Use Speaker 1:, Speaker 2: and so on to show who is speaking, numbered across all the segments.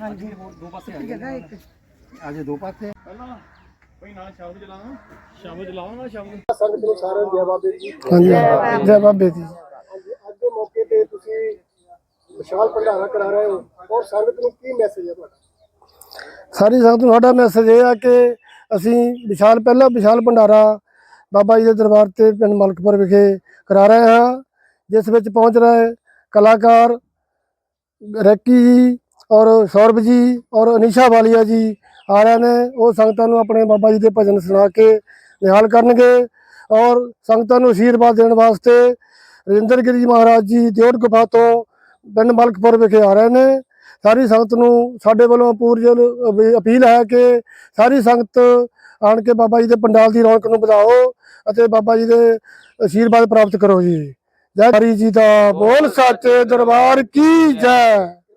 Speaker 1: हाँ जी दो पासे जगह एक आज दो पासे पहला भाई ना शब्द चलाओ ना शब्द
Speaker 2: संगत ਨੂੰ ਸਾਰਿਆਂ ਨੂੰ ਜੈ ਬਾਬੇ ਜੀ।
Speaker 3: ਹਾਂਜੀ ਜੈ ਬਾਬੇ ਦੀ।
Speaker 2: ਹਾਂਜੀ ਅੱਜ ਦੇ ਮੌਕੇ ਤੇ ਤੁਸੀਂ ਵਿਸ਼ਾਲ ਭੰਡਾਰਾ ਕਰਾ ਰਹੇ ਹੋ ਔਰ ਸੰਗਤ ਨੂੰ ਕੀ ਮੈਸੇਜ ਹੈ ਤੁਹਾਡਾ?
Speaker 3: ਸਾਰੀ ਸੰਗਤ ਨੂੰ ਸਾਡਾ ਮੈਸੇਜ ਇਹ ਆ ਕਿ ਅਸੀਂ ਵਿਸ਼ਾਲ ਭੰਡਾਰਾ ਬਾਬਾ ਜੀ ਦੇ ਦਰਬਾਰ ਤੇ ਪਿੰਡ ਮਲਕਪੁਰ ਵਿਖੇ ਕਰਾ ਰਹੇ ਹਾਂ, ਜਿਸ ਵਿੱਚ ਪਹੁੰਚ ਰਹੇ ਕਲਾਕਾਰ ਰੈਕੀ ਜੀ ਔਰ ਸੌਰਭ ਜੀ ਔਰ ਅਨੀਸ਼ਾ ਵਾਲੀਆ ਜੀ ਆ ਰਹੇ ਨੇ। ਉਹ ਸੰਗਤਾਂ ਨੂੰ ਆਪਣੇ ਬਾਬਾ ਜੀ ਦੇ ਭਜਨ ਸੁਣਾ ਕੇ ਨਿਹਾਲ ਕਰਨਗੇ ਔਰ ਸੰਗਤਾਂ ਨੂੰ ਅਸ਼ੀਰਵਾਦ ਦੇਣ ਵਾਸਤੇ ਰਜਿੰਦਰ ਗਿਰੀ ਮਹਾਰਾਜ ਜੀ ਦਿਓਟ ਗੁਫਾ ਤੋਂ ਪਿੰਡ ਮਲਕਪੁਰ ਵਿਖੇ ਆ ਰਹੇ ਨੇ। ਸਾਰੀ ਸੰਗਤ ਨੂੰ ਸਾਡੇ ਵੱਲੋਂ ਪੂਰੀ ਅਪੀਲ ਹੈ ਕਿ ਸਾਰੀ ਸੰਗਤ ਆਣ ਕੇ ਬਾਬਾ ਜੀ ਦੇ ਪੰਡਾਲ ਦੀ ਰੌਣਕ ਨੂੰ ਵਧਾਓ ਅਤੇ ਬਾਬਾ ਜੀ ਦੇ ਅਸ਼ੀਰਵਾਦ ਪ੍ਰਾਪਤ ਕਰੋ ਜੀ। ਜੈ ਹਰੀ ਜੀ ਦਾ ਬੋਲ ਸੱਚੇ ਦਰਬਾਰ ਕੀ ਜੈ।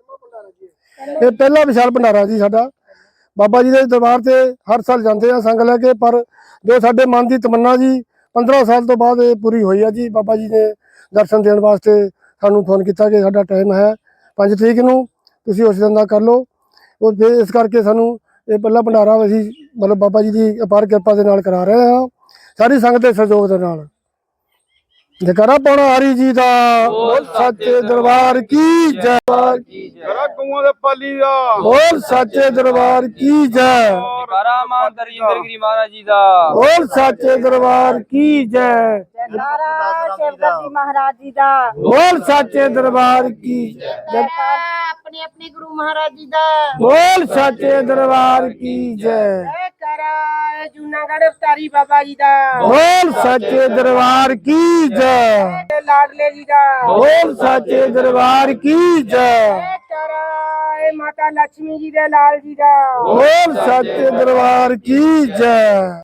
Speaker 3: ਇਹ ਪਹਿਲਾ ਵਿਸ਼ਾਲ ਭੰਡਾਰਾ ਜੀ ਸਾਡਾ। ਬਾਬਾ ਜੀ ਦੇ ਦਰਬਾਰ ਤੇ ਹਰ ਸਾਲ ਜਾਂਦੇ ਆ ਸੰਗ ਲੈ ਕੇ, ਪਰ ਜੋ ਸਾਡੇ ਮਨ ਦੀ ਤਮੰਨਾ ਜੀ 15 ਸਾਲ ਤੋਂ ਬਾਅਦ ਇਹ ਪੂਰੀ ਹੋਈ ਆ ਜੀ। ਬਾਬਾ ਜੀ ਨੇ ਦਰਸ਼ਨ ਦੇਣ ਵਾਸਤੇ ਸਾਨੂੰ ਫੋਨ ਕੀਤਾ ਕਿ ਸਾਡਾ ਟਾਈਮ ਹੈ 5 ਤਰੀਕ ਨੂੰ, ਤੁਸੀਂ ਉਸ ਦਿਨ ਦਾ ਕਰ ਲਓ। ਉਹ ਫਿਰ ਇਸ ਕਰਕੇ ਸਾਨੂੰ ਇਹ ਪਹਿਲਾ ਭੰਡਾਰਾ ਅਸੀਂ ਮਤਲਬ ਬਾਬਾ ਜੀ ਦੀ ਅਪਾਰ ਕਿਰਪਾ ਦੇ ਨਾਲ ਕਰਾ ਰਹੇ ਹਾਂ, ਸਾਰੀ ਸੰਗਤ ਦੇ ਸਹਿਯੋਗ ਦੇ ਨਾਲ। ਜੈਕਾਰਾ ਪਾਉਣਾ ਹਰੀ ਜੀ ਦਾ ਬੋਲ ਸੱਚੇ ਦਰਬਾਰ ਕੀ ਜੈ।
Speaker 1: ਜਰਾ ਗਊਆਂ ਦੇ ਪਾਲੀ ਦਾ
Speaker 3: ਬੋਲ ਸੱਚੇ ਦਰਬਾਰ ਕੀ ਜੈ।
Speaker 4: ਜੈਕਾਰਾ ਮਾਂ ਰਜਿੰਦਰ ਗਿਰੀ ਮਹਾਰਾਜ ਜੀ ਦਾ
Speaker 3: ਬੋਲ ਸੱਚੇ ਦਰਬਾਰ ਕੀ ਜੈ।
Speaker 5: ਜੈਕਾਰਾ ਸ਼ਿਵਗੱਦੀ ਮਹਾਰਾਜ ਜੀ ਦਾ
Speaker 3: ਬੋਲ ਸੱਚੇ ਦਰਬਾਰ ਕੀ ਜੈ।
Speaker 5: ਆਪਣੇ ਆਪਣੇ ਗੁਰੂ ਮਹਾਰਾਜ ਜੀ ਦਾ
Speaker 3: ਬੋਲ ਸੱਚੇ ਦਰਬਾਰ ਕੀ ਜੈ।
Speaker 5: ਜੈਕਾਰਾ ਜੂਨਾਗੜ੍ਹ ਅਵਤਾਰੀ ਬਾਬਾ ਜੀ ਦਾ
Speaker 3: ਬੋਲ ਸੱਚੇ ਦਰਬਾਰ ਕੀ ਜੈ।
Speaker 5: ਲਾਡਲੇ ਜੀ ਦਾ
Speaker 3: ਬੋਲ ਸੱਚੇ ਦਰਬਾਰ ਕੀ ਜੈ।
Speaker 5: ਜੈਕਾਰਾ ਮਾਤਾ ਲక్ష్ਮੀ ਜੀ ਦੇ ਲਾਲ ਜੀ ਦਾ
Speaker 3: ਬੋਲ ਸੱਚੇ ਦਰਬਾਰ ਕੀ ਜੈ।